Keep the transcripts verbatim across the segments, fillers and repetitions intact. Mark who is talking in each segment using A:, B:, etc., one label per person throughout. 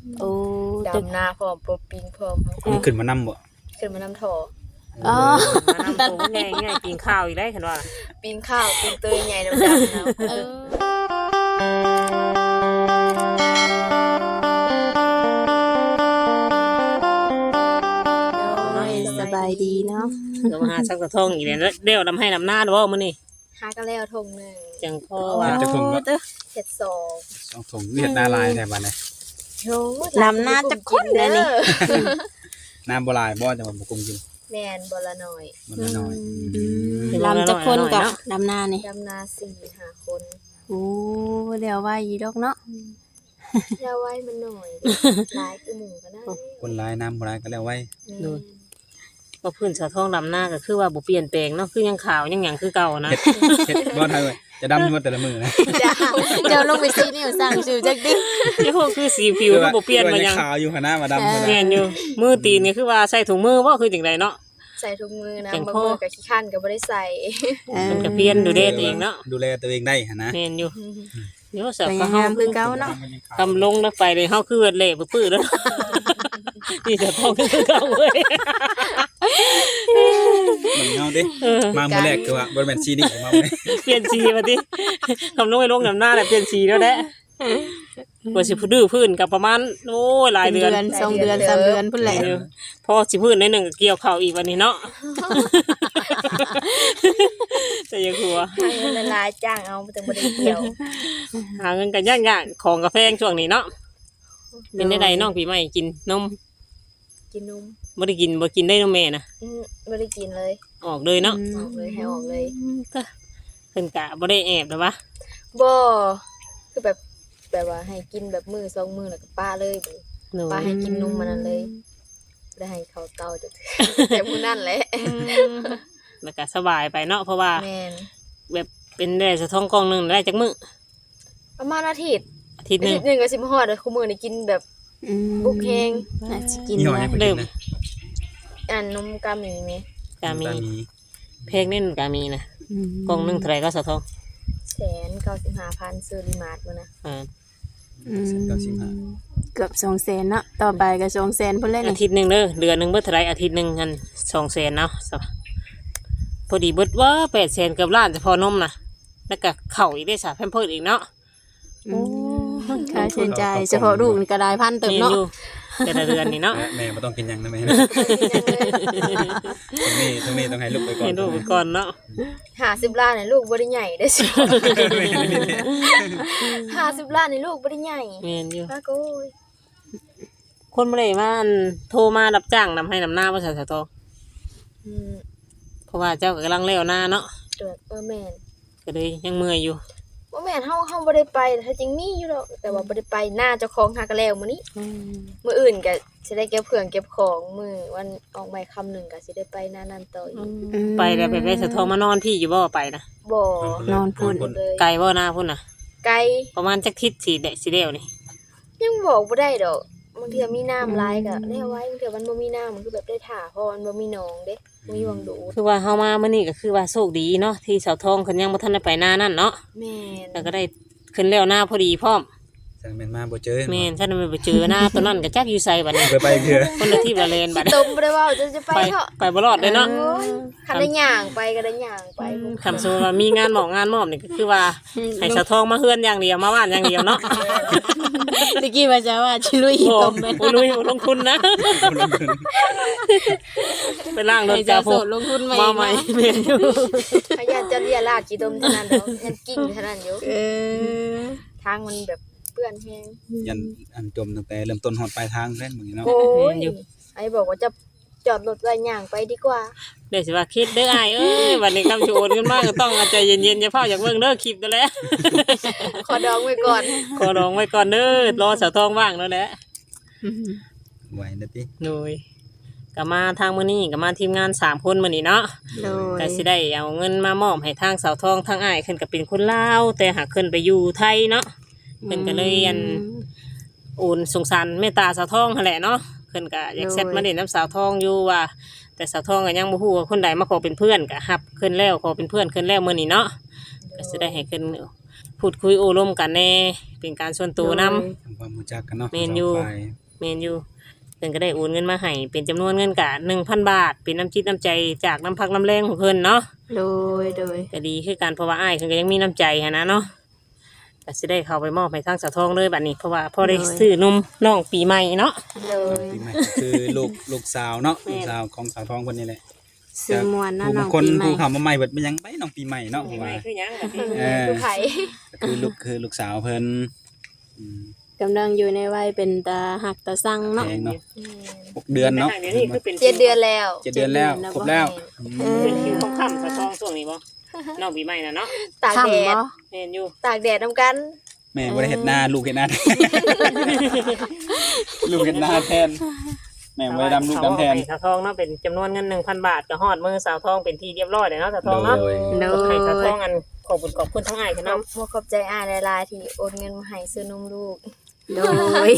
A: โอ้
B: ดำนาพร้อมปบปิงพร้อม
C: มันขึ้นมานำบ่
B: ขึ้นมานำท่อ
A: อ๋อ
D: มานำตัวง่ายง่ายกินข้าวอีกได้คันว่า
B: ปิงข้าวปิงเตยใหญ่ดำๆนะ
A: เออโอ้ยสบายดีเนาะ
D: ก็มาหาซักกระทงอีกแล้วเดี๋ยวนํให้นำหน้าบ่มื้อนี้
B: หาก็แล้วทงหนึง
D: จังพ่อว่า
C: จะถุงก็
B: เฮ็ดสอง
C: สองถุงเวียดนาลายแท้บัดนี้
B: โอ้
A: ลำหน้าจะข้นเลยนี่
C: น้ำบ่ลายบ่จังหวัดบ่กุมกิน
B: แม่นบ่ละน้อย
C: มันน้อย
A: ลำจะคนกับลำหน้านี่
B: ดำนาสี่ห้าคน
A: โอ้เดี๋ยวว่าอีดอกเนาะ
B: อย่าไว้มันหน่อยหลายคือหมู่ก็ได้
C: คนหลายน้ำบ่ลายก็แล้วไว้
B: แม่น
D: ก็พื้นสะท้องดำหน้าก็คือว่าบ่เปลี่ยนแปลงเนาะคือยังขาวยังหยังคือเก่านะ
C: เฮ็ดบ่ทันเว้ยจะดำอยู่ว่าแต่ละมื้อนะ
A: เจ้าลงไปซีนี่สั่งชื่อจักดิ
D: ที่พวกคือสีผิวก็บ่เปลี่ยนมาหยัง
C: ขาวอยู่หั่นนะมาดำหั่น
D: แม่
C: นะ
D: นอยู่มือตีนนี่คือว่าใส่ถุงมือบ่คือจังไดเนาะ
B: ใส่ทุกมือนะ
D: แข็ง
B: บาง
D: คอ
B: มือก็ขี้คันก็บ่ได้ใส่
D: มันก็เปลี่ยนดูแลตัวเองเนาะ
C: ดูแลตัวเองได้หั่นนะ
D: แม่นอยู่เดี๋ยวสั
A: ส
D: ก
A: วย
D: ก็เฮาง
A: ามคือเก่าเนาะ
D: กำลงแล้วไปเลยเฮาคือเละปื้อๆแล้ว นี่จะท้องคือเก่าเว้ย
C: มันเงาดิ
D: เออ
C: มามื้อแรกคือว่าบ่แม่นซีนี่มาเว้ย
D: เปลี่ยนสีมาดิคำลงไปลงน้ำหน้าแหละเปลี่ยนสีแล้วแหละกว่าสิพื้นพื้นกับประมาณโอ้ยหลาย
A: เป็น
D: เดื
A: เดื
D: อน
A: อนสองเดือนสามเดือนพุ่นแหละ
D: เออพอสิพื้นในหนึ่งก็เกี่ยวเข่าอีกวันนี้เนาะ แต่ยังหัว
B: ให้เงินละลายจ้างเอาแต่บ่ได้เกี่ยว
D: หาเงินกันยากๆของกาแฟช่วงนี้เนาะเป็นได้ใดน้องปีใหม่กินนม
B: กินนม
D: บ่ได้กินบ่กินได้นมแม่นะ
B: อืมบ่ได้กินเลย
D: ออกเลยเนาะ
B: ออกเลยให้ออกเลย
D: ก็เพิ่นกะบ่ได้แอบหรอวะ
B: บ่คือแบบแบบว่าให้กินแบบมือสองมือแล้วก็ป้าเลยบัดนี้
D: หนู
B: ป้าให้กินนมมันนั้นเลยบ่ได้ให้เขาเต้าจัก แต่มื้อนั้นแหละ
D: แล้วก็สบายไปเนาะเพราะว่า
B: แม่น
D: แบบเป็นได้สะท้องกล่องหนึงได้จักมื้อ
B: ประมาณอาทิตย์
D: อาทิตย์
B: อา
D: หนึ
B: ทิ
D: ง
B: ตย์หนึงก็สิมาฮอดเด้อคุมื้อนี้กินแบบ
A: อืม
B: บุกแฮง
A: น่าจะกิน
C: ยี่ห้อ
A: นะ
C: ให้เพิ่น
D: เริ่
C: กิ
D: ม
C: นนะ
B: อันนมกาหมีแม่
D: กามี
C: ตามี
D: เพลงนี่กามีนะ
A: อืม
D: กล่องหนึงเท่าไหร่ก็สะท้อง
B: แสนเก้าสิบห้าพันซื้อรีมาร์ทมื้อนะ
D: อ่า
A: อืม
C: เก้าสิบห้า
A: เกือบสองแสนเนาะต่อไปก็สองแสนพุ่นแล้ว
D: อา
A: นี่
D: ทิตย์หนึงเด้อเดือนหนึงเบิดเท่าไหร่อาทิตย์หนึงกันสองแสนเนาะสะพอดีเบิดว่าแปดแสนเกือบล้านจะพอนมนะแล้วก็เข่าอีกได้สาแพมเพิร์ดอีกเนาะ
A: โอ้ค่าใช้จ่ายเฉพาะลูกนี่ก็ได้พันเติม
D: นี่
A: เนาะ
D: อยู่แต่ละเดือนนี่เนาะ
C: และแม่บ่ต้องกินหยังนะแม่ตรงนี้ตรงนี้ต้องให้ลูกไปก่อน
D: ให้ดูไปก่อนเนาะ
B: ห้าสิบล้านนี่ลูกบ่ได้ใหญ่ได้อสิห้าสิบล้านนี่ลูกบ่ได้ใหญ่
D: เมียนอยู่
B: ป้าก็โอ้ย
D: คนเมื่อไหร่มาอันโทรมารับจ้างนำให้นำหน้าภาษาสะทอ
B: อืม
D: เพราะว่าเจ้าก็กำลังเลี้ยวหน้าเนาะ
B: เดือดเออแม่น
D: ก็เลยยังเมื่อยอยู่
B: ว่าแม่นเฮาเฮาบ่ได้ไปถ้าจริงมีอยู่ดอกแต่ว่าบ่ได้ไปหน้าเจ้าของหากะแล้วมื้อนี้มื้ออื่นก็สิได้เก็บเครื่องเก็บของมื้อวันออกใหม่ค่ำหนึงก็สิได้ไปหน้านั้นต่ออีก
D: ไปแล้วไปไปสะทอมานอนพี่อยู่บ่ไปนะ
B: บ่
A: นอนพุ่น
B: เลย
D: ไกลบ่หน้าพุ่นนะ
B: ไกล
D: ประมาณจักทิศสีเดะสีเดียวนี่
B: ยังบอกบ่ได้ดอกบางเทื่อมีน้ำหลายก็ได้เอาไว้บางเทื่อมันบ่มีน้ำมันคือแบบได้ถ่าเพราะมันบ่มีหนองเด้บ่มีหวังดูด
D: คือว่าเฮามามื้อนี้ก็คือว่าโชคดีเนาะที่สาวทองเพิ่นยังบ่ทันได้ไปหน้านั่นเนาะ
B: แม่น
D: แล้วก็ได้ขึ้นแล้วหน้าพอดีพร้อม
C: สั่งแม่นมาบ่เจอ
D: แม่นฉันไม่ไปเจอหน้าตัวนั้นก็จักอยู่ไสบัดนี้
C: ไปไปเพื่อ
D: คนละที่ละเลนบัด
B: ตมบ่ได้เว้าจะจะไป
D: ไป
B: เถาะ
D: ไปบ่รอดเลยเนาะ
B: โอ้ยคันได้ย่างไปก็ได้ย่างไป
D: คำสมมุติว่ามีงานหมอกงานมอบนี่ก็คือว่าให้สาวทองมาเฮือนอย่างเดียวมาบ้านอย่างเดียวเนาะ
A: ตะกี้ว่าจะว่าชิลุย
D: โอ้
A: ตมไป
D: โหลุยลงทุนนะไปล่างรถ
A: ให้
D: จ้า
A: เจ้า
D: พ
A: โส
D: วก
A: ดลงทุนใหม่
D: มาใหม่แม่นอยู่
B: พยานจะเรียลาดกี่ดมเท่านั้นเนาะยันกิ่งเท่านั้นอยู่
A: เออ
B: ทางมันแบบเปื้อนแห้ง
C: ยันอันจมตั้งแต่เริ่มต้นฮอดปลายทางเล่นมึงเนาะ
B: โอ้ยไอ้บอกว่าจะจอดรถไว้ย่างไปดีกว่า
D: เดี๋ยวสิว่าคิดเด้ออ้ายเอ้ยวันนี้คำชวนขึ้นมาก็ต้องเอาใจเย็นๆอย่าเฝ้าอยากเบิ่งเด้อคลิปนั่นแหละ
B: ขอดองไว้ก่อน
D: ขอร้องไว้ก่อนเด้อรอสาวทองว่างแล้วแหละ
C: ไหวนะติ
D: โดยก็มาทางมื้อนี้ก็มาทีมงานสามคนมื้อนี้เนาะ
A: โดย
D: ก็สิได้เอาเงินมามอบให้ทางสาวทองทางอ้ายขึ้นก็เป็นคนลาวแต่หากขึ้นไปอยู่ไทยเนาะเพิ่นก็เลยอันโอนสงสารเมตตาสาวทองนั่นแหละเนาะเพิ่นก็อยากเซตมาเล่นน้ำสาวทองอยู่ว่า แต่สาวทองก็ยังบ่ฮู้ว่าคนใดมาขอเป็นเพื่อนก็รับขึ้นแล้วขอเป็นเพื่อนขึ้นแล้วมื้อนี้เนาะก็สิได้ให้ขึ้นพูดคุยโอ้ร่วมกันแน่เป็นการส่วนตัวนํ
C: ทำความรู้จักกันเนาะ
D: แม่นอยู่
C: สงฝ่าย
D: แม่นอยู่เพิ่นก็ได้โอนเงินมาให้เป็นจำนวนเงินกะหนึ่งพันบาทเป็นน้ำจิตน้ำใจจากน้ำพักน้ำแรงของเพิ่นเนาะ
A: โดยโดย
D: ก็ดีคือกันเพราะว่าอ้ายเพิ่นก็ยังมีน้ำใจหันนะเนาะก็สิได้เข้าไปมอบให้ทางสาวทองเลยบัดนี้เพราะว่าพอได้ซื้อนมน้องปีใหม่เนาะ
B: โดย
C: ปีใหม่ก็คือลูกลูกสาวเนาะ
D: แม่น
C: ลูกสาวของสาวทองคนนี้แหละ
A: ซื้อมวนเนาะ
C: ผู้
A: น้
C: บา
A: อง
C: งคน
A: ปีใหม่
C: ผู้เข้ามาใหม่เบิดเป็นหยังไปน้องปีใหม่เนาะ
D: ปี
C: ผม
D: ใหม่
C: ว่า
D: คือหยังก็ที่
C: เออ
B: คือไผ
C: ก็คือลูกคือลูกสาวเพิ่นอืม
A: กำลังอยู่ในวัยเป็นตาหักตาสั่งเนาะ
C: แพงเนาะ
B: อืม
C: หกเดือนเนาะ
D: เดี๋ยวนี้คือเป็น
B: เจ็ดเดือนแล้ว
C: เจ็ดเดือนแล้วครบแล้ว
A: เอ
C: อื
A: อ
C: ม
D: เป็นคิวของค่ำสาวทองช่วงนี้บ่น้องปีใหม่น่ะเนาะ
B: ตากแดด
A: ค่ำบ่
D: แม่นอยู่
B: ตากแดดนํกัน
C: แม่บ่ได้เฮ็ดหน้าลูกเฮ็ดหน้า ลูกเฮ็ดหน้าแทนแม่บ่ได้ดำลูกดำแทน
D: สาวทองเนาะเป็นจำนวนเงินหนึ่งพันบาทก็ฮอดมือสาวทองเป็นที่เรียบร้อยแล้วเนาะสาวทองเนาะ
C: โดย
A: โด
D: ให้สาวท
A: ย
D: องอันขอบคุณขอบคุณทั้งอ้าย
B: ข
D: เนาะ
B: อบขอบใจอ้ายหลายๆที่โอนเงินมาให้ซื้อนมลูก
A: โดย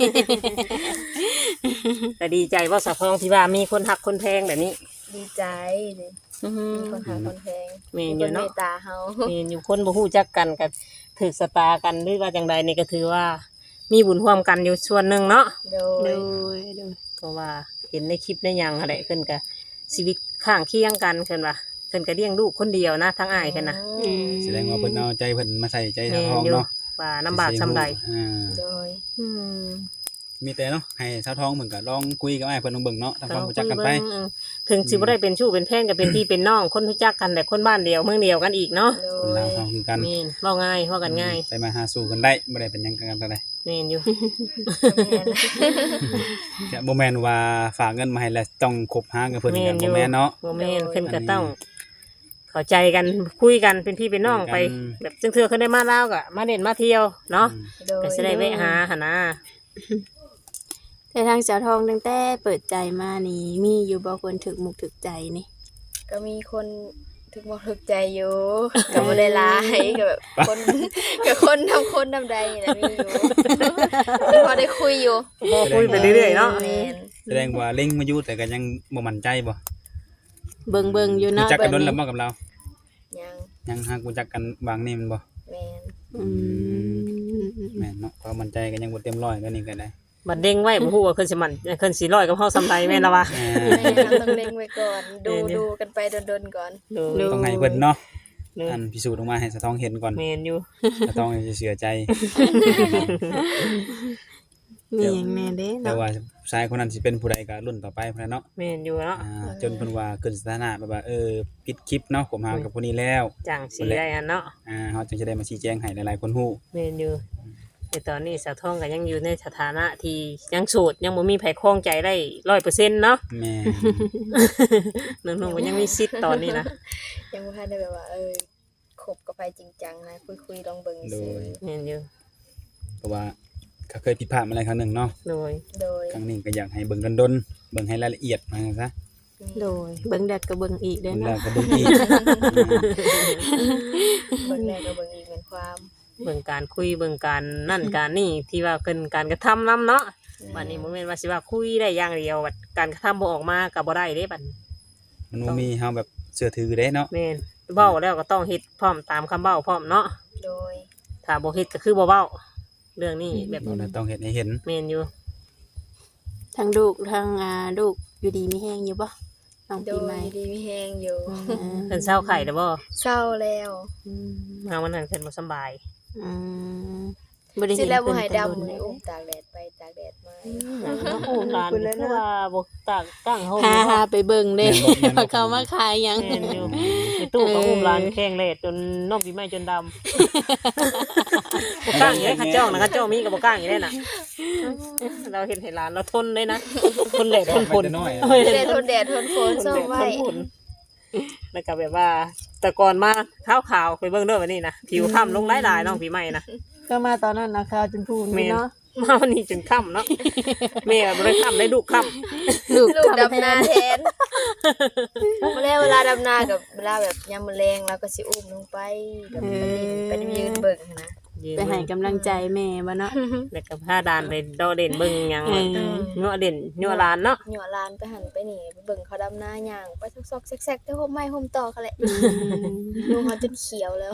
D: แต่ดีใจว่าสาวทองที่ว่ามีคนหักคนแพงแบบนี้
B: ดีใจเลยมีคนหาคนแพง
D: แม่น
B: มี
D: อ
B: ค
D: ยู่
B: นเม
D: เนาะ
B: ตตาเฮา
D: มีอยู่คนบ่ฮู้จักกันก็ถือสตากันหรือว่าจังใดนี่ก็ถือว่า มีบุญร่วมกันอยู่ส่วนหนึ่งเนาะ
B: โด
A: โด
B: ย
A: ยโดย
D: เพราะว่าเห็นในคลิปในหยังอะไรเพิ่นก็ชีวิตข้างเคียงกันเพิ่นว่าเพิ่นก็เลี้ยงลูกคนเดียวนะทั้งอ้ายเพิ่นน่ะ
A: อืม
C: แสดงว่าเพิ่นเอาใจเพิ่นมาใส่ใจสาว
D: แม่
C: ทอง
D: นอยู่
C: เนาะ
D: ว่าลำบากซำใด
C: อ่า
B: โดย
D: อืม
C: มีแต่เนาะให้สาวทองเหมือนกับลองคุยกับอ้ายเพิ่นลองเบิ่งเนาะทำความรู้จักกันไป
D: เออถึงสิบ่ได้เป็นชู้เป็นแฟนก็เป็นพี่เป็นน้องคนรู้จักกันแต่คนบ้านเดียวเมืองเดียวกันอีกเนาะ
B: โด
C: คน
B: ย
C: ลาวเขาคือกัน
D: แม่นเว้าง่ายเว้ากันง่าย
C: ไปมาหาสู่กันได้บ่ได้เป็นหยังกันกันได้
D: แม่นอยู่
B: แม่น
C: แค่บ่แม่นว่าฝากเงินมาให้แล้วต้องคบหากับเพิ่นกันบ่แม่นเนาะ
D: บ่แม่นเพิ่นก็ต้องเข้าใจกันคุยกันเป็นพี่เป็นน้องไป
C: คุยกัน
D: แบบจังเทื่อเพิ่นได้มาลาวก็มาเล่นมาเที่ยวเนาะ
B: โดย
D: ก็สิได้แวะหาหั่นนะ
A: แต่ทางสาวทองตั้งแต่เปิดใจมานี่มีอยู่บ่คนถึกมุกถึกใจนี่
B: ก็มีคนถึกบ่ถึกใจอยู่ก็บ่ได้หลายก็แบบคนก็คนทำคนทำใดนี่แหละมีอยู่พอได้คุยอยู่
D: พอคุยไปเรื่อยๆเนาะ
B: แม่น
C: แสดงว่าเล็งมาอยู่แต่ก็ยังบ่มั่นใจบ่
A: เบิ่งเบิ่งอยู่
C: รู้
A: เนาะ
C: จักกัน
A: เบิ่
C: โด
A: ง
C: นแล้วบ่กับเรา
B: ยัง
C: ยังหากรู้จักกันบางนี่มันบ่
B: แม่น
A: อืม
C: แม่นเนาะความมั่นใจก็ยังบ่เต็มร้อยก็นี่ก็ได้
D: บัดเด้งไว้บ่ฮู้ว่าเพิ่นสิมันเพิ่นสิร้อยกับเฮาซำใดแม่นล่ะวะ
C: อ่
B: แม่
C: าน
B: เราต้องเล็งไว้ก่อน ดู
D: แม่นอยู่
B: ดูกันไปดนๆก่อน
D: ดู
C: ต้องให้เพิ่นเนาะ
D: ดู
C: อันพิสูจน์ออกมาให้สะท้องเห็นก่อน
D: แม่นอยู่
C: สะท้องจะเสียใจ
A: มีหยังแน่เด้
C: แต่
A: เนาะ
C: ว่าชายคนนั้นสิเป็นผู้ใดก็รุ่นต่อไปพุ่นน่ะเนาะ
D: แม่นอยู่เนาะ
C: อ่าจนเพิ่นว่าขึ้นสถานะแบบว่าเออปิดคลิปเนาะผมหากับผู้นี้แล้ว
D: จังสิได้อันเนาะ
C: อ่าเฮาจึงจะได้มาชี้แจงให้หลายๆคนฮู้
D: แม่นอยู่แต่ตอนนี้สาวทองก็ยังอยู่ในสถานะที่ยังโสดยังบ่มีไผคล้องใจได้ ร้อยเปอร์เซ็นต์ เนาะ
C: แม่
D: น้องๆก็ยังมีสิทธิ์ตอนนี้นะ
B: ยังบ่ทันได้แบบว่า เออคบกับไปจริงจังนะคุยๆลองเบิ่ง
C: โด
B: ซื่อย
D: แม่นอยู่
C: เพราะว่าก็เคยผิดพลาดมาหลายครั้งหนึงเนาะ
D: โดย
B: โดย
C: ครั้งนี้ก็อยากให้เบิ่งกันดนเบิ่งให้รายละเอียดมาซะ
A: โดยเบิ่งแดดก็เบิ่งอีกเด้
C: เบิ่ง
A: เนาะ
C: แล้วก็เบิ่งอีก
B: เบิ่งแรกก็เบิ่งอีกเป็นความ
D: เบิ่งการคุยเบิ่งการนั่นการนี่ที่ว่าเพิ่นการกระทำนํเนาะบัดนี้บ่แม่นว่าสิว่าคุยได้อย่างเดียวบัดการกระทำบ่ออกมาก็บ่ได้เด้บัดนี้
C: มันบ่มีเฮาแบบเชื่อถือเด้เนาะ
D: แม่นเว้าแล้วก็ต้องเฮ็ดพร้อมตามคำเว้าพร้อมเนาะ
B: โดย
D: ถ้าบ่เฮ็ดก็คือบ่เว้าเรื่องนี้แบบ
C: เราต้องเฮ็ดให้เห็น
D: แม่นอยู่
A: ทั้งลูกทั้งอ่าลูกอยู่ดีมีแฮงอยู่บ่น้อง
B: โด
A: ปี
B: ย
A: ใหม่
B: ดีมีแฮงอยู่
A: อืม
D: เพิ่นเศร้าไข้แล้วบ่
B: เศร้าแล้ว
A: อืม
D: มาวันนั้นเพิ่นบ่สำบาย
A: อืมบ่ได้
B: สิ
A: เห็น
B: แล้วบ่
A: เพิ่น
B: ให้
A: แต่
B: ดำ
A: โดน
B: มื้อ
A: เลย
B: อุ้มตากแดดไปตากแดดมา
D: โอ้ร้านคือว่าบ่ตากตั้งเฮา
A: หาหาไปเบิ่งเด้
C: แม่นบ่แม่นบ่
A: ว่าเขามาขายหยัง
D: แม่นอยู่ในตู้ก็อุ้มร้านแข้งเลดจนน้องปีใหม่จนดำบ่กล้างอยู่ได้ข้าเจ้านะข้าเจ้ามีก็บ่กล้างอยู่ได้น่ะเราเห็นให้ร้านเราทนเลยนะทนแดดทนฝน
C: น้อย
B: จะได้ทนแดดทนฝน
D: ทน
B: ซ่อ
D: แด
B: ม
D: ด
B: ไว้
D: ทนฝนแล้วก็แบบว่า แต่ก่อนมาขาวๆไปเบิ่งเด้อวันนี้นะผิวค้ำลงหลายๆน้องปีใหม่นะ
A: ก็มาตอนนั้นนะข่าวจนพูน
D: แม่น
A: เนาะ
D: มาวันนี้จนค่ำเนาะแม่ก็บ่ได้ค่ำได้ลูกค่ำ
A: ลูก
B: ลูก
A: ทำ
B: ดำนา
A: แทน
B: แทนเวลาเวลาดำนากับเวลาแบบยามมื้อแลงเราก็สิอุ้มลงไปแบบไปเล่นไปยืนเบิ่งนะ
D: โยืม
A: ไปให้กำลังใจแม่บ่เนาะ
D: แล้วก็พาดานไปดอเด่นเบิ่งหยัง
A: เออ
D: เงาะเด่นยัวลานเนาะ
B: หย่อลานไปหันไปนี่ไปเบิ่งเขาดำหน้าย่างไปซอกๆแซกๆแต่ห่มไม้ห่มตอกเขาแหละลูกเขาจนเขียวแล้ว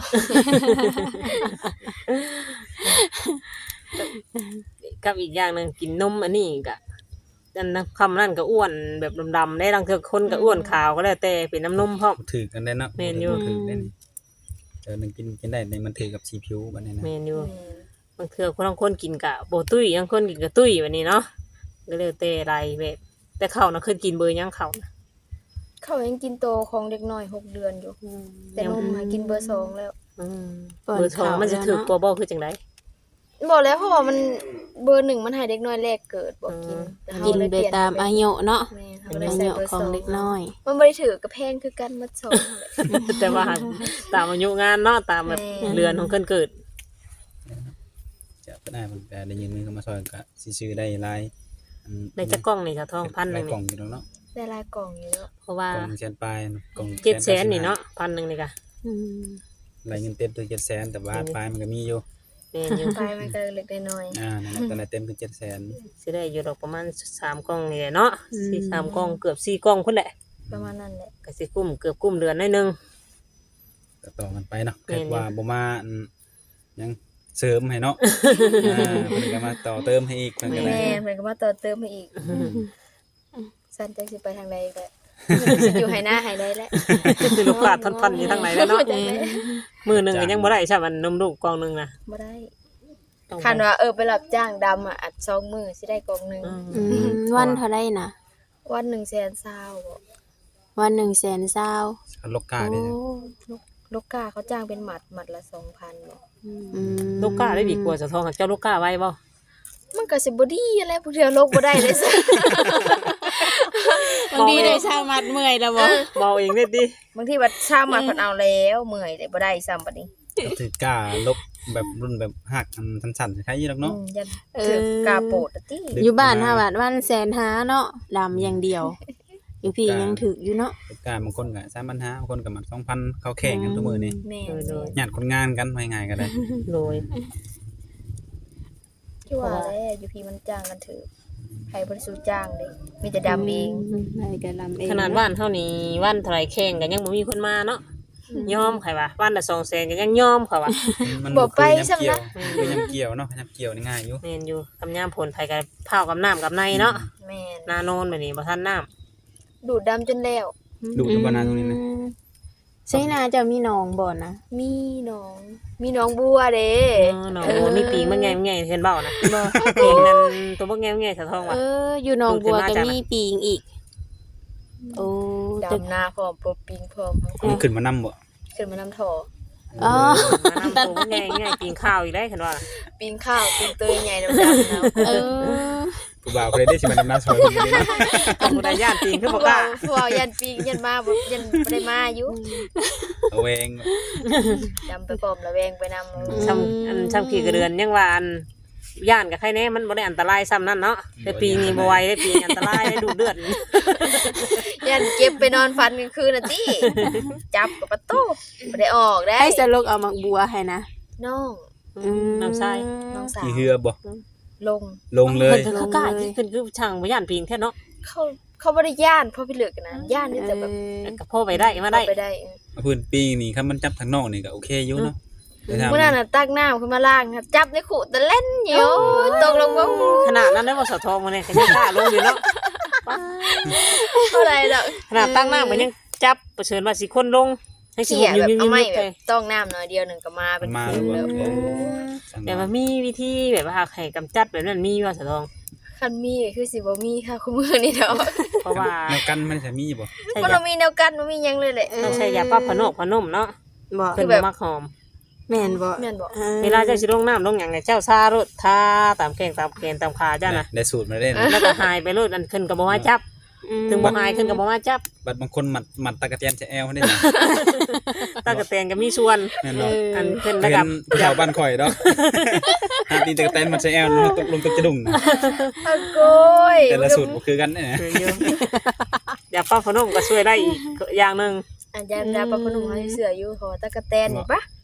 D: กับอีกอย่างหนึงกินนมอันนี้ก็อันนั้นคำนั้นก็อ้วนแบบดำๆได้บางเทื่อคนก็อ้วนขาวก็แล้วแต่เป็นน้ำนมพร้อม
C: ถือกันได้เนาะ
D: แม่นอยู่
C: ถือได้นี่เออมันกินกินได้ในมันถือกับสีผิวบัดนี้นะ
D: แม่นอยู่
B: อืม
D: บางเทื่อคนบางคนกินกะโบตุ้ยบางคนกินกะตุ้ยแบบนี้เนาะก็แล้วแต่อะไรแบบแต่เขาน่ะเคยกินเบอร์หยังเขาน่ะ
B: เขายังกินโตของเด็กน้อยหกเดือนอยู่ แต่นมหากินเบอร์สองแล้ว
D: อืม
A: ป้อน
D: เบอร์สอง
A: ข้าว
D: มันจะ
A: แล้ว
D: ถือ
A: เนาะ
D: กว่าบ่คือจังได
B: บอกแล้วเพราะว่ามันเบอร์หนึ่งมันให้เด็กน้อยแรกเกิดบอกกิน
D: อืม
B: แต่เฮา
A: กิน
B: เลย
A: ไป
B: เปลี่ยน
A: ตามอายุเนาะ
B: แม่เขา
A: อา
B: เลยใส่
A: ยุ
B: เบอร์
A: ข
B: ส
A: อง
B: อง
A: เด็กน้อย
B: มันบ่ได้ถือกระแพงคือกันมัดสองนั่นแหละ
D: แต่ว่าตามอายุงานเนาะตามแบบ
B: แม่
D: เรือนของเพิ่นเกิด
C: จะก็ได้มันก็ได้ยินมือเข้ามาซอยก็สิซื้อได้หลายอัน
D: ในจักกล้องนี่ค่ะทองพันหนึง
C: หลายกล่
D: นี่
C: องอยู่แล้วเนาะ
B: ได้ลายกล่องอยู่แล้ว
D: เพราะว่าก
C: ล่องแสนปลายกล่อง
D: เจ็ดแสนนี่เนาะพันหนึงนี่ค่ะ
A: อืม
C: รายเงินเต็มคือเจ็ดแสนแต่ว่าปลายมันก็มีอยู่
D: แม่นอยู่
B: ไปมันก็เล็กได้น้อย
C: อ่านั่นแหละตอนนั้นเต็มคือเจ็ดแสน
D: สิได้อยู่ดอกประมาณสามกล้องนี่แหละเนาะสี่สามกล้องเกือบสี่กล้องพุ่นแหละ
B: ประมาณนั้นแหละ
D: ก็สิกุ้มเกือบกุ้มเดือนหน่อยหนึง
C: ก็ต่อกันไปเนาะ
D: แม่นอยู่
C: เกิดว่าบ่มาอันยังเสริมให้เนาะอ่าเพิ่นก็มาต่อเติมให้อีกเพิ่นก็ได้
B: แม่เพิ่นก็มาต่อเติมให้อีกสั้นจักสิไปทางใดก็สิอยู่ให้หน้าให้ได้แหละ
D: คือลูกหลานพันๆอยู่ทางไหนแล้วเนาะ
B: จังได๋
D: มือหนึงก็ยังบ่ได้ใช่มันนมลูกกล่องหนึงนะ
B: บ่ได้
D: ต้อง
B: คันว่าเออไปรับจ้างดำอ่ะอัดสองมื้อสิได้กล่องหนึง
D: อืม
A: อืมวันเท่าไรนะ
B: วันหนึ่งแสนซาวบ่
A: วันหนึ่งแสนเศร้า
C: เอาลกกาได้จ้ะ
B: ลูกลูกกาเขาจ้างเป็นหมัดหมัดละสองพันบ่
A: อืม
D: ลูกก้าได้ดีกว่าสะทองเจ้าลูกก้าไว้บ่
B: มันก็สิบ่ดีอะไรผู้เดียวโลกบ่ได้เลยซะ
A: บางทีได้ชาวมัดเมื่อยแล้วบ่
D: เบาเองเด้ดิ
B: บางทีบัดช้ามาเพิ่นเอาแล้วเมื่อยเลยบ่ได้ซ้ำบัดนี้
C: ก็ถือกาลกแบบรุ่นแบบหักอันสั้นๆคล้ายๆอยู่ดอก
B: อื
C: เนาะ
B: มยันถือกาโปดอะติ
A: อยู่บ้านห้าบาทวันแสนห้าเนาะลำอย่างเดียวอยู่พี่ยังถึกอยู่เนาะ
C: ลูกกาบางคนก็สามพันห้าบางคนก็มัดสองพันเข้าแข่งกันทุกมื้อนี่
B: แม่
D: โดย
C: ญาติคนงานกันว่าง่ายๆก็ได้
D: โดย
B: ที่ว่าแล้วอยู่พี่มันจ้างกันถือใครบ่ได้สู้จ้างเด้มีแต่ดำเอง
A: ได้ก็ลำเอง
D: ขนาดบ้านเท่านี้วันเท่าไหรแข่งกันยังบ่มีคนมาเนาะยอมใครวะวันละสองแสนก็ยังยอมเขาวะ
C: มัน
B: บ่ไป
C: คือ
B: ซ้ำ
C: ยำเกี่ยว
B: นะ
C: คือยำเกี่ยวเนาะยำเกี่ยวนี่ง่ายอยู่
D: แม่นอยู่กำยามผลไผกับเผากับน้ำกับในเนาะ
B: แม่น
D: นาโนนแบบนี้บ่ทันน้
B: ดูดดำจนแล้ว
C: ดูดอยู่บ้านนาตรงนี้นะ
A: ใช่นาจะมีหนองบ่นะ
B: มีน้องมีน้องบัวเด้
D: ำเออน้องบัวมีปีกมันไงมันไงเห็นเบ้านะปีกนั้นตัวบ่ไงมันไงสะทอง
A: เอ
D: วะ
A: อ อยู่หนองบัว
D: ดูดขึ้
A: ก็
D: นมาจาก
A: มีปีงอีก โอ้แต่
B: ดำนาพร้อมปบปิงพร้อม
C: มันขึ้นมานำบ่
B: ขึ้นมานำท่อ
A: อ๋อ
D: มานำตัวบ่ไงไงปีงข้าวอีกได้คันว่า
B: ปิงข้าวปิงเตยใหญ่ดำๆนะ
A: เออ
C: ผู้บ่าวเคยได้สิมันนำหน้าซอยคนนี้เนาะ
D: บ่ได้ย่านปีงคือบ่กล้า
B: พวกยันปิงยันมาบ่ยันบ่ได้มาอยู่
C: เอาเอง
B: ดำไปพร้อมระแวงไปนำ
D: ซ้ำอันซ้ำขี่กระเดือนยังว่าอันย่านกับใครแน่มันบ่ได้อันตรายซ้ำนั่นเนาะแต่ปีนี้บ่ไหวได้ปีอันตรายได้ดูดเลือด
B: ยันเก็บไปนอนฟันกลางคืนน่ะติจับกับประตูบ่ได้ออกได้
A: ให้สลกเอามักบัวให้นะ
B: น้อง
A: อืม
D: น้ำทราย
B: น้องสาว
C: ขี่เรือบ่
B: ลง
C: ลงเลย
D: เพิ่นก็กล้าที่ขึ้นคือช่างบ่ย่านปีนแค่เนาะ
B: เขาเขาบ่ได้ย่านเพราะพี่เหลือกกันนะย่านนี่แต่แบบ
D: ก็พอไปได้มาได้
B: เข้าไปได้
C: เอาพื้นปีนี่คันมันจับทางนอกนี่ก็โอเคอยู่เนาะแต่ถ้า
B: เมื่อนั้นน่ะตักน้ำขึ้นมาล้างครับจับในขู่แต่เล่นอยู่ตกลงว่า
D: ขนาดนั้นได้บ่สะทองมาเนี่ยก็ยังกล้าลงอยู่เนาะ
B: เท่าไหร่ดอก
D: ขนาดตั้งหน้ามันยังจับเผชิญว่าสิคนลงให้สิ
B: เขี่ย
D: อยู่
B: แบบ
D: ยิ้
B: เอาไม้
D: มๆ
B: แบ
D: ไป
B: บต้องน้ำหน่อยเดียวหนึ่งก็มาเป็น
C: มา
B: คืน
C: แล้
B: แล้ว ว
C: เออ
D: แต่มันมีวิธีแบบว่าให้กำจัดแบบนั้นมีว่าสะทอง
B: คันมีก็คือสิบ่มีค่ะคุณมือนี่ดอก
D: เพราะว่า
C: แนวกันมันจะมีบ่
D: ใช่
B: มัน
D: ยา
B: บ่มีแนวกันมันมีหยังเลยแหละ
D: ต้องใช้ยาปรับพนกพนมเนาะ
A: บ่
D: เพิ่น
B: แบ
D: บ่
B: บ
D: มักหอม
A: แม่นบ่
B: แม่นบ่
A: อ่
D: เวลาเจ้าสิลงน้ำลงหยังเนี่ยเจ้าซารถทาตามแข้งตามแขนตามขาเจ้าน่ะ
C: ได้สูตรมาเล่น
D: แล้วก็หายไปโลดอันขึ้นก็บ่มาจับ
A: อืม
D: ถึงบ่หายขึ้นก็บ่มาจับ
C: บัดบางคนหมัดหมัดตะกะเตียนจะแอลได้นะ
D: ตากระแตนก็มีส่วน
C: แม่นบ่
D: อันขึ้น
C: เห็
D: แล้ว
C: น
D: ก็
C: แถวบ้านข่อยเนาะหาตีตะกะเตียนมันจะแอลลงตกลงตกจะดุ่งนะ
B: อะโกย
C: แต่ละสูตรบ่คือกันเนี่ย
D: คืออยู่ยาปรับพนมก็ช่วยได้อีกอย่างหนึง
B: อันยาดาปะพนุ่มเฮาเสืออยู่ขอตะกะแตนนี่ปะ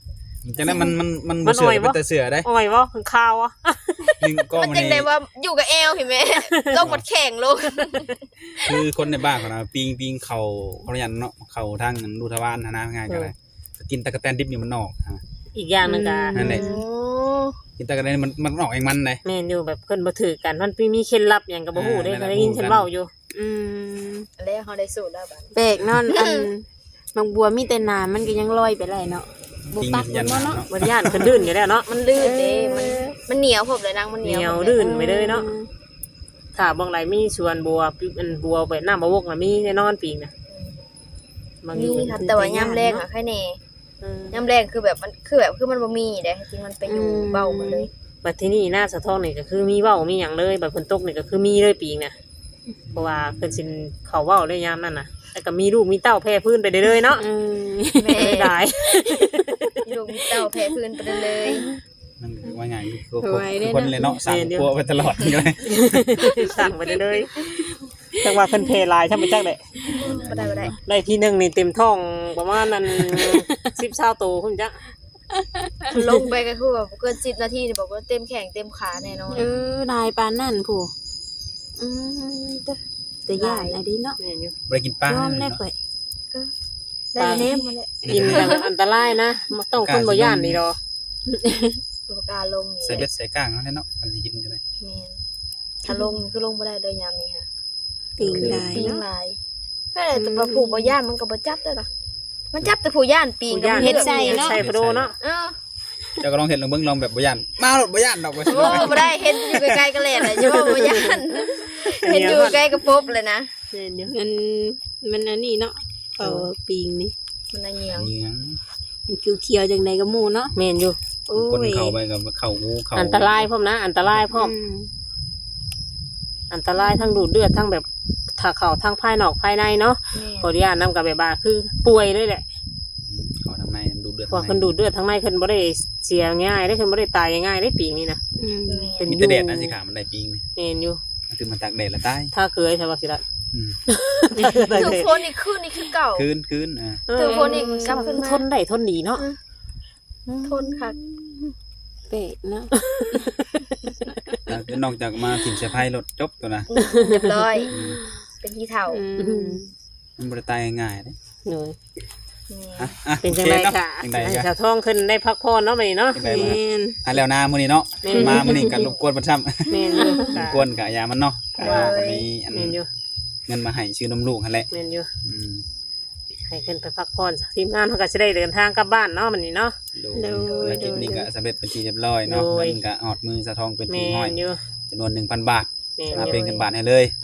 C: จังนั้นมันมันมัน
D: มั
C: บ่
D: น
C: เสือ
D: อ่อยบ่
C: เป็นแต่เสือได้
D: อ้อยบ่เพิ่นข่าวอ่ะ
C: หนึ่งก็
B: มัน
C: มัน
B: จังได๋
C: นี่
B: ว่าอยู่กับแอลพี่แม่ ลงมันแข็งลง
C: คือคนในบ้านของเราปิงปิงเขาเขายันเนาะเขาทางดูทวารนะนะง่ายกันเลยกินตะกะแตนดิบนี่มันออกฮะ
D: อีกอย่างหนึงก็
C: นั่นแหละ
B: โอ้
C: กินตะกะแตนมันมันออกเองมันเลย
D: แม่นอยู่แบบเพิ่นบ่ถือกันมันมีเคล็ดลับหยังก็บ่ฮู้เด้
C: อ่า
D: ก็ได้ยิน
C: นั่นแหละ
D: เพิ่นเว้าอยู่
A: อืม
B: แล้วเฮาได้สูตรแล้วบัด
A: แปลกเนาะอันบางบัวมีแต่น้ำมันก็ยังลอยไปได้เนาะบ่
C: ปิง
A: ปัก
C: ยัน
A: บ่
C: น้ำ
A: เนาะ
C: เนาะ
D: บ่ย่านเพิ่นลื่นอยู่แล้วเนาะ
B: มันลื่นเด้มันมันเหนียวพบเลยนางมันเหนียว
D: เหนียว
B: พบ
D: ลื่น ไปเลยเนาะ ถ้าบางไหลมีสวนบัวปิอันบัวไปน้ำบ่วกน่ะมีแน่นอนปีกน่ะบางอ
B: นี่
D: ยู่
B: ครับแต่ว่ายามแรงอะแค่แน่
D: เออ
B: ยามแรงคือแบบมันคือแบบคือมันบ่มีเด้จริงมันไปอยู่เบ้าหมดเลย
D: บัดที่นี่หน้าสะท้อนนี่ก็คือมีเว้ามีหยังเลยบัดฝนตกนี่ก็คือมีเลยปีกน่ะเพราะว่าเพิ่นสิเขาเว้าเลยยามนั้นน่ะแต่ก็มีลูกมีเต้าแพร่พื้นไปเรื่อยๆเนาะ
A: เออ
B: แม่
D: ได้
B: อยู่มีเต้าแพ้พื้นไปเลย
C: มันว่าไงคือคือคนเลยเนาะสั่งกลัวไปตลอดเลย
D: สั่งไปเรื่อยๆจังว่าเพิ่นเพลายทำไปจักได้
B: บ่ได้บ่ได้
D: ได้ที่หนึงนี่เต็มท้องประมาณนั้น สิบ 20โตพุ่นจ้ะ
B: ลงไปก็คือแบบเกินสิบนาทีนี่บอกว่าเต็มแข้งเต็มขาแน่นอน
A: เออลายปานนั่นผู้อืมแต่แต่ย่านอันนี้เนาะ
D: แม่นอยู่
C: ไปกินปลาย
A: อมได้ข่อย
B: ได้เนมมาเลย
D: กินแต่อันตรายนะมันต้องคนบ่ย่านนี่ดอก
B: ตัวกาลงนี่
C: ใส่เบ็ดใส่ก้างแล้วเนาะกันสิกินกันเลย
B: แม่นถ้าลงนี่คือลงบ่ได้เลยยามนี้ค่ะ
A: ปิงลาย
B: ปีง
A: เนาะ
B: ลายแค่แต่ว่าผู้บ่ย่านมันก็บ่จับได้ล่ะมันจับแต่ผู้ย่านปีง
D: ผู้ย่าน
B: เฮ็ดใส่เนาะ
D: ใส่พะโดเนาะ
B: เออ
C: เจ้าก็ลองเห็นลองเบิ่งลองแบบบ่ย่านมาหลดบ่ย่านดอกบ่
B: โอ้บ่ได้เฮ็ดอยู่ใกล้ๆกันแหละเลยจะว่าบ่ย่านเฮ็ดอยู่ใกล้กับปบเลยนะ
D: แม่นอยู่
A: มันมันอันนี้เนาะเขาปิงนี่
B: มันน่ะเหนียว
C: เหนียง
A: มันเขียวๆจังไดก็หมู่เนาะ
D: แม่นอยู่
A: โอ้
C: คน
A: ย
C: เข้าไปกับเข้างูเข้า
D: อันตรายพร้อมนะ อันตรายพร้อม
A: อืม
D: อันตรายทั้งดูดเลือดทั้งแบบถ้าเข้าทั้งภายนอกภายในเนาะ
B: แม่
D: ขออนุญาตนำกับแบบว่าคือป่วยเลยแหละ
C: เข้าทางในดูเดือด
D: เพราะคนดูดเลือดทั้งในคนบ่ได้เสียง่ายได้คนบ่ได้ตายง่ายได้ปีนี้นะ
A: อืม
D: เป็น
C: มีแต่แดดนะสิขามันได้ปิงนี่
D: แม่นอยู่
C: คือมันตากแดดแล้วตาย
D: ถ้าเคยใช่ป่ะสิละ
C: อืม
B: ถือโฟนนี่คืนนี่คือเก่า
C: คืนคืนอ่า
B: ถือคนอีกกลับขึ้นมา
D: ทนได้ทนดีเนาะ
B: ทนค่ะ
A: เป๊ะเนาะ
C: แล้วคือนอกจากมาถิ่นเสียไพ่รถจบตัวนะ
B: เรียบร้อย เป็นที่เท่า
A: อืม
C: มันบ่ได้ตายง่ายๆเด้
D: หนู
B: นี่
C: อ่ะอ่ะ
D: เป็นจังได
C: โอเค
D: ค่ะ
C: เนาะจังได
D: ให้
C: ก็
D: สาวทองขึ้นได้พักผ่อนเนาะมื้อนี้เนาะ
C: จังได
A: แม
C: มา
A: ่น
C: อ่ะแล้วนามื้อนี้เนาะ
D: แม่น
C: มามื้อนี้กันรบกวนบ่ซ้ำ
D: แม่นอยู่
C: รบ
D: ค่ะ
C: กวนกะยามันเนาะกะก็มีอัน
D: แม่นอยู่
C: เงินมาให้ชื่อนมลูกหั่นแหละ
D: แม่นอยู่
C: อืม
D: ให้ขึ้นไปพักผ่อนทีมงานเขาก็จะได้เดินทางกลับบ้านเนาะมื้อนี้เนาะ
C: โดยธุรกิจนี้ก็สำเร็จเป็นที่เรียบร้อยเนาะ
D: โดย
C: เงินก็ออดมือสะทองเป็น
D: แม่
C: ที่ห้อย
D: นอยู่
C: จำนวน หนึ่งพัน บาท
D: แม่น
C: มา
D: อยู่
C: เป็นเงินบาทให้เลย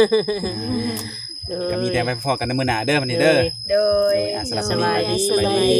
C: ก็มีแต่ไปพอกันในมื้อหน้าเด้อวันนี้เด้อ
B: โดย
C: อ่ะสำหรับ
D: สบายดี
C: สบายดี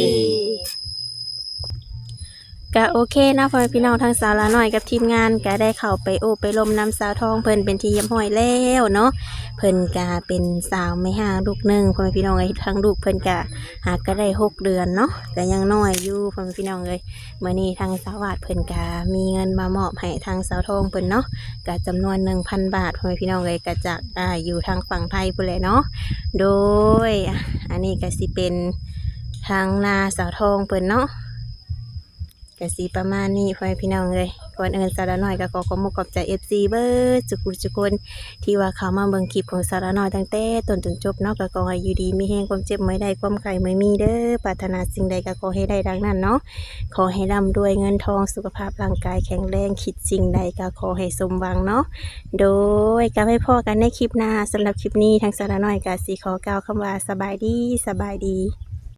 A: ก็โอเคนะพ่อแม่พี่น้องทางสาวละน้อยกับทีมงานก็ได้เข้าไปโอบไปลมน้ำสาวทองเพิ่นเป็นที่เยี่ยมห้อยแล้วเนาะเพิ่นก็เป็นสาวไม่ห่างลูกหนึ่งพ่อแม่พี่น้องเอ้ยทั้งลูกเพิ่นก็หากก็ได้หกเดือนเนาะก็ยังน้อยอยู่พ่อแม่พี่น้องเอ้ยมื้อนี้ทางสาวาดเพิ่นก็มีเงินมามอบให้ทางสาวทองเพิ่นเนาะก็จำนวน หนึ่งพัน บาทพ่อแม่พี่น้องเอ้ยก็จากอ่าอยู่ทางฝั่งไทยพุ่นแหละเนาะโดยอ่ะอันนี้ก็สิเป็นทางนาสาวทองเพิ่นเนาะก็สิประมาณนี้พ่อแม่พี่น้องเลยก่อนอื่นสาระน้อยก็ขอขอบคุณขอบใจ เอฟ ซี เบิร์ดจุกุจุกคนที่ว่าเขามาเบิ่งคลิปของสาระน้อยตั้งแต่ต้นจนจบเนาะก็ขอให้อยู่ดีมีแห้งความเจ็บไม่ได้ความไข้ไม่มีเด้อปรารถนาสิ่งใดก็ขอให้ได้ดังนั้นเนาะขอให้ร่ำรวยเงินทองสุขภาพร่างกายแข็งแรงคิดสิ่งใดก็ขอให้สมหวังเนาะโดยก็ให้พ่อกันในคลิปหน้าสำหรับคลิปนี้ทางสาระน้อยก็สิขอกล่าวคำว่าสบายดีสบายดี